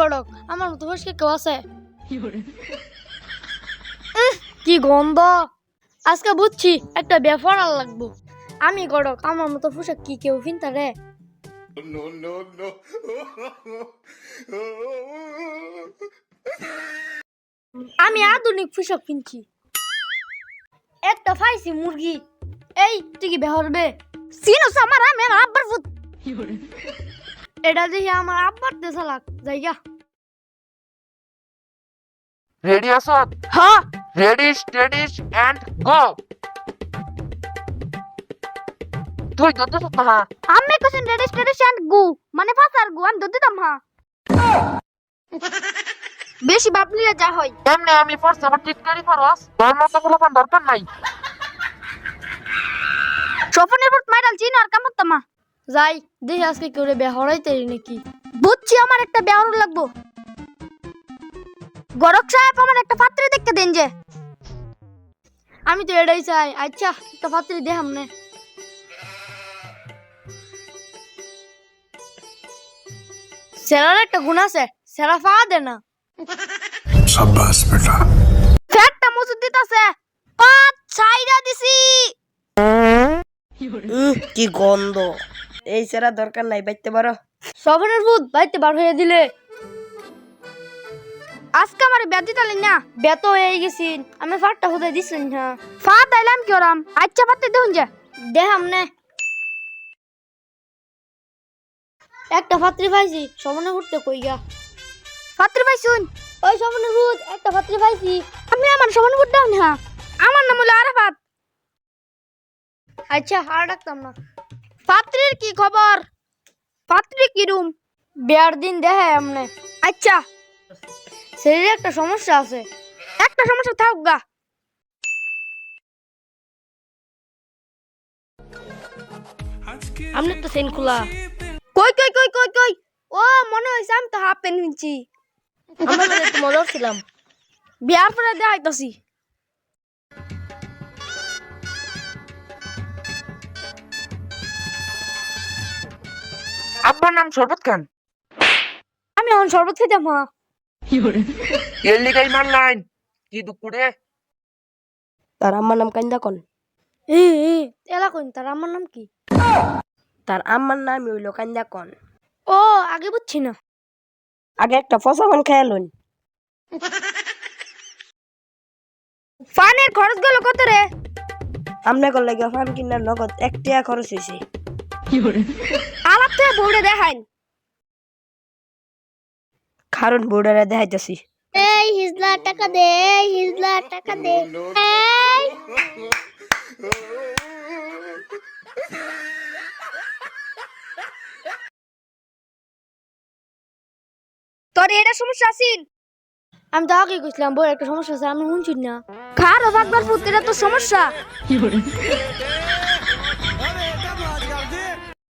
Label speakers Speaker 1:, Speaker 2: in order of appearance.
Speaker 1: গড়ক আমার মতো ফসকে কেউ আছে? কি গন্ধ! আজকে বুঝছি একটা ব্যাপার আর লাগবো। আমি গড়ক আমার মতো পোশাক কি কেউ কিনতে রে?
Speaker 2: No, no, no.
Speaker 1: আমি আধুনিক পোশাক কিনছি। একটা ফাইছি মুরগি। এই তুই কি বেহরবে? সিনোস আমার আমার আব্বার ফুট। এটা দেখি আমার আব্বার দেশা লাগ জায়গা।
Speaker 3: রেডি আছো?
Speaker 1: হ্যাঁ
Speaker 3: রেডি স্টেডি এন্ড গো। তুই যত হ্যাঁ
Speaker 1: আমি কোশ্চেন রেজিস্ট্রেশন গু মানে ফাসার গু আমি দদিতাম হ্যাঁ। বেশি ভাবলিলে যা হয়।
Speaker 3: এমনি আমি ফার্স্ট আবার টিটকারি পারস তোর মতো পোলাপান দরকার নাই।
Speaker 1: স্বপনের পর মাইরাল চিন আর কামতামা যাই দেখি আজকে কেউ বেহরাইতে নাকি। বুঝছি আমার একটা বেহর লাগবো। গরক সাহেব আমার একটা পাত্রে দেখতে দেন যে। আমি তো এটাই চাই। আচ্ছা একটা পাত্রে দে আমনে। সেরার একটা গুণ আছে, সেরা ফা দে না।
Speaker 2: शाबाश बेटा।
Speaker 1: ফ্যাটটা মজুদ দিতাছে। পাঁচ ছাইরা দিছি।
Speaker 4: কি গন্ধ! এই সেরা দরকার নাই, বাইতে পারো।
Speaker 1: সবনের ভূত বাইতে বার হয়ে দিলে। আজকে আমার ব্যাধি তালে না বেত হয়ে গেছি। আমি ফাটটা হতে দিছেন না ফা তাইলাম কি ওরাম। আচ্ছা পাতে দেখুন যে দেখাম নে। একটা পাত্রী পাইছি সবনে ঘুরতে কই গা। পাত্রী পাইছুন? ওই সবনের ভূত একটা পাত্রী পাইছি। আমি আমার সবনে ঘুরতে দাও না। আমার নাম হলো আরাফাত। আচ্ছা আর ডাকতাম না। পাত্রীর কি খবর? পাত্রী কি রুম? বিয়ার দিন দেখে আমনে। আচ্ছা শরীরে একটা সমস্যা আছে। একটা সমস্যা থাক গা। আমনে তো সেন খোলা। কই কই কই কই কই ও মনে হইছে আমি তো হাফ প্যান্ট কিনছি।
Speaker 4: আমরা তো মজা ছিলাম।
Speaker 1: বিয়ার পরে দেখাইতাছি।
Speaker 3: আব্বার নাম শরবত খান।
Speaker 1: আমি এখন শরবত খেতাম হ্যাঁ।
Speaker 3: এর লিগাই মারলাইন কি দুপুরে।
Speaker 4: তার আম্মার নাম কান্দা কন।
Speaker 1: এলা কইন তার আমার নাম কি?
Speaker 4: তার আম্মার নাম হইল কান্দা কন।
Speaker 1: ও আগে বুঝছি না।
Speaker 4: আগে একটা ফসাফান খেয়ালুন।
Speaker 1: ফানের খরচ গেল কত রে?
Speaker 4: আমনে কল লাগে ফান কিনার নগদ 1 টাকা খরচ হইছে।
Speaker 1: আলাপ থেকে বউরে দেখাইন।
Speaker 4: কারণ বোর্ডারে দেখাইতাছি।
Speaker 1: এই হিজলা টাকা দে, এই হিজলা টাকা দে। এই তোর এটা সমস্যা আছে? আমি তো আগে কইছিলাম বড় একটা সমস্যা আছে আমি শুনছি না। খারাপ একবার ফুটেরা তো সমস্যা।